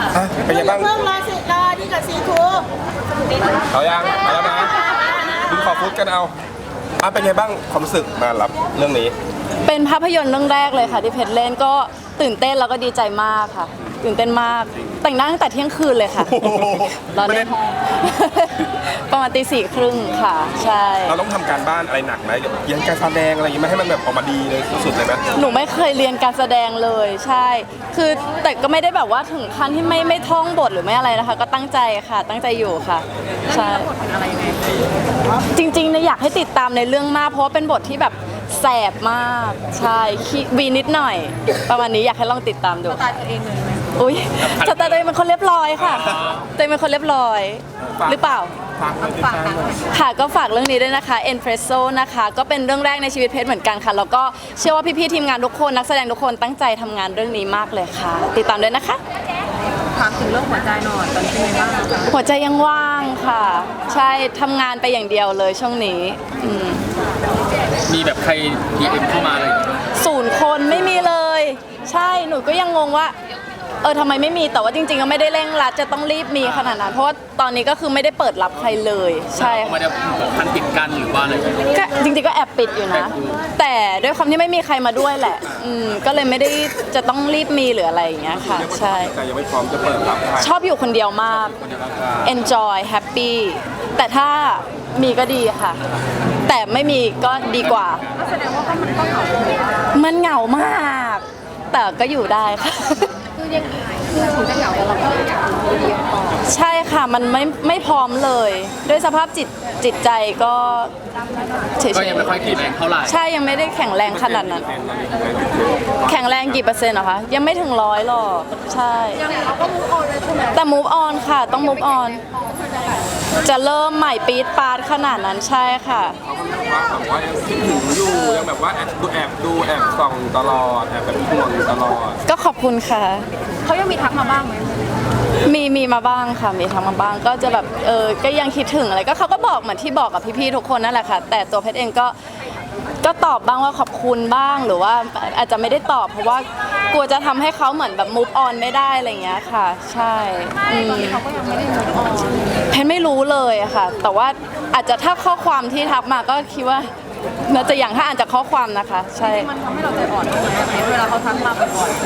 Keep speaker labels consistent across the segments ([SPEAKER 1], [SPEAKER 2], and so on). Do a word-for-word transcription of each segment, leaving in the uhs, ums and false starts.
[SPEAKER 1] อ่ะเป็นยังไงบ้าง
[SPEAKER 2] เพิ่งรอสิรอดีกับซีทู
[SPEAKER 1] เอายังมาแล้วนะดูขอฟุตกันเอาอ่ะเป็นยังไงบ้างความรู้สึกมารับเรื่องนี้
[SPEAKER 3] เป็นภาพยนตร์เรื่องแรกเลยค่ะที่เพชรเล่นก็ตื่นเต้นแล้วก็ดีใจมากค่ะตื่นเต้นมากแต่งหน้าตั้งแต่เที่ยงคืนเลยค่ะตอนนี้ประมาณตีสี่ครึ่งค่ะใช่
[SPEAKER 1] เราต้องทำการบ้านอะไรหนักไหมเรียนการแสดงอะไรอย่างงี้ไหมให้มันแบบออกมาดีเลยสุดๆเลยไหม
[SPEAKER 3] หนูไม่เคยเรียนการแสดงเลยใช่คือแต่ก็ไม่ได้แบบว่าถึงขั้นที่ไม่ไม่ท่องบทหรือไม่อะไรนะคะก็ตั้งใจค่ะตั้งใจอยู่ค่ะใช่จริงๆเนี่ยอยากให้ติดตามในเรื่องมากเพราะว่าเป็นบทที่แบบแสบมากใช่วีนิดหน่อยประมาณนี้อยากให้ลองติดตามดู
[SPEAKER 2] ตายตัวเองเลย
[SPEAKER 3] อุ้ยสไตล์ตัวเองเป็นคนเรียบร้อยค่ะตัวเองเป็นคนเรียบร้อยหรือเปล่า
[SPEAKER 1] ฝากฝาก
[SPEAKER 3] ค่ะก็ฝากเรื่องนี้ด้วยนะคะ Espresso นะคะก็เป็นเรื่องแรกในชีวิตเพชรเหมือนกันค่ะแล้วก็เชื่อว่าพี่ๆทีมงานทุกคนนักแสดงทุกคนตั้งใจทำงานเรื่องนี้มากเลยค่ะติดตามด้วยนะคะ
[SPEAKER 2] ถามถึงเรื่องหัวใจหน่อยตอนนี้เป็นไงบ้าง
[SPEAKER 3] หัวใจยังว่างค่ะใช่ทำงานไปอย่างเดียวเลยช่วงนี้
[SPEAKER 4] มีแบบใคร ดี เอ็ม เข้ามาอะไรอย่างเงี้ย
[SPEAKER 3] ศูนย์คนไม่มีเลยใช่หนูก็ยังงงว่าเออทำไมไม่มีแต่ว่าจริงๆก็ไม่ได้เร่งรัดจะต้องรีบมีขนาดนั้นเพราะว่าตอนนี้ก็คือไม่ได้เปิดรับใครเลยใช่
[SPEAKER 4] ไม่ได้พันปิดกันหรือว่าอะไร
[SPEAKER 3] ก็จริงๆก็แอบปิดอยู่นะแต่ด้วยความที่ไม่มีใครมาด้วยแหละอืมก็เลยไม่ได้จะต้องรีบมีหรืออะไรอย่างเงี้ยค่ะใช่
[SPEAKER 1] แต่ยังไม่พร้อมจะเปิดรับ
[SPEAKER 3] ชอบอยู่คนเดียวมาก enjoy happy แต่ถ้ามีก็ดีค่ะแต่ไม่มีก็ดีกว่า
[SPEAKER 2] แสดงว่ามันก็เหงา
[SPEAKER 3] มันเหงามากแต่ก็อยู่ได้ค่ะ
[SPEAKER 2] คือยังคือถึงจะเหงาแต่เราก็อยากอยู่ดีพอ
[SPEAKER 3] ใช่ค่ะมันไม่ไม่พร้อมเลยด้วยสภาพจิตจิตใจก็เฉยๆ
[SPEAKER 4] ก็ยังไม่ค่อยแข็งแรงเท่าไหร่
[SPEAKER 3] ใช่ยังไม่ได้แข็งแรงขนาดนั้นแข็งแรงกี่เปอร์เซ็นต์เหรอคะยังไม่ถึงร้อยหรอกใช่
[SPEAKER 2] ยังเราก็ move on เลยใช่ไหม
[SPEAKER 3] แต่ move on ค่ะต้อง move on จะเริ่มใหม่ปี๊ดปาดขนาดนั้นใช่ค่ะ
[SPEAKER 1] เขาก็ยังว่าแบบว่ายังคิดถึงอยู่ยังแบบว่าแอบดูแอบดูแอบส่องตลอดแอบแบบห่วงอยู่ตลอด
[SPEAKER 3] ก็ขอบคุณค่ะ
[SPEAKER 2] เขายังมีทักมาบ้างไหม
[SPEAKER 3] มีมีมาบ้างค่ะมีทักมาบ้างก็จะแบบเออก็ยังคิดถึงอะไรก็เขาก็บอกเหมือนที่บอกกับพี่ๆทุกคนนั่นแหละค่ะแต่ตัวเพชรเองก็ก็ตอบบ้างว่าขอบคุณบ้างหรือว่าอาจจะไม่ได้ตอบเพราะว่ากลัวจะทำให้เขาเหมือนแบบ move on ไม่ได้อะไรอย่างเงี้ยค่ะใช่
[SPEAKER 2] เขาก็ยังไม่ได้ move on
[SPEAKER 3] เพชรไม่รู้เลยอะค่ะแต่ว่าอาจจะถ้าข้อความที่ทักมาก็คิดว่าน่าจะอย่างถ้าอ่านจากข้อความนะคะใช่
[SPEAKER 2] มันทำให้เราใจอ่อนเวลาเขาทักมาบ่อย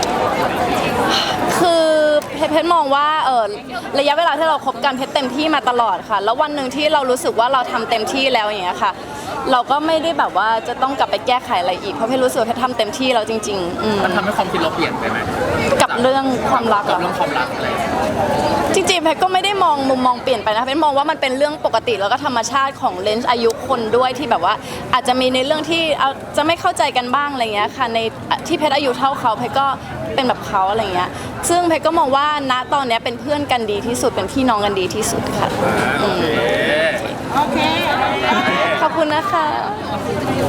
[SPEAKER 3] ๆคือเพชรมองว่าเออระยะเวลาที่เราคบกันเพชรเต็มที่มาตลอดค่ะแล้ววันหนึ่งที่เรารู้สึกว่าเราทำเต็มที่แล้วอย่างเงี้ยค่ะเราก็ไม่ได้แบบว่าจะต้องกลับไปแก้ไขอะไรอีกเพราะเพชรรู้สึกว่าเพชรทำเต็มที่แล้วจริง
[SPEAKER 4] ๆมันทำให้ความคิดเราเปลี่ยนไปไหม
[SPEAKER 3] กับเรื่องความรัก
[SPEAKER 4] กับเรื่องความรักอะไร
[SPEAKER 3] จริงๆเพชรก็ไม่ได้มองมุมมองเปลี่ยนไปนะเพชรมองว่ามันเป็นเรื่องปกติแล้วก็ธรรมชาติของเลนส์อายุคนด้วยที่แบบว่าอาจจะมีในเรื่องที่เอาจะไม่เข้าใจกันบ้างอะไรเงี้ยค่ะในที่เพชรอายุเท่าเขาเพชรก็เป็นแบบเขาอะไรเงี้ยซึ่งเพชรก็มองว่าณตอนนี้เป็นเพื่อนกันดีที่สุดเป็นพี่น้องกันดีที่สุดค่ะ
[SPEAKER 2] โอเค
[SPEAKER 3] ขอบคุณนะคะ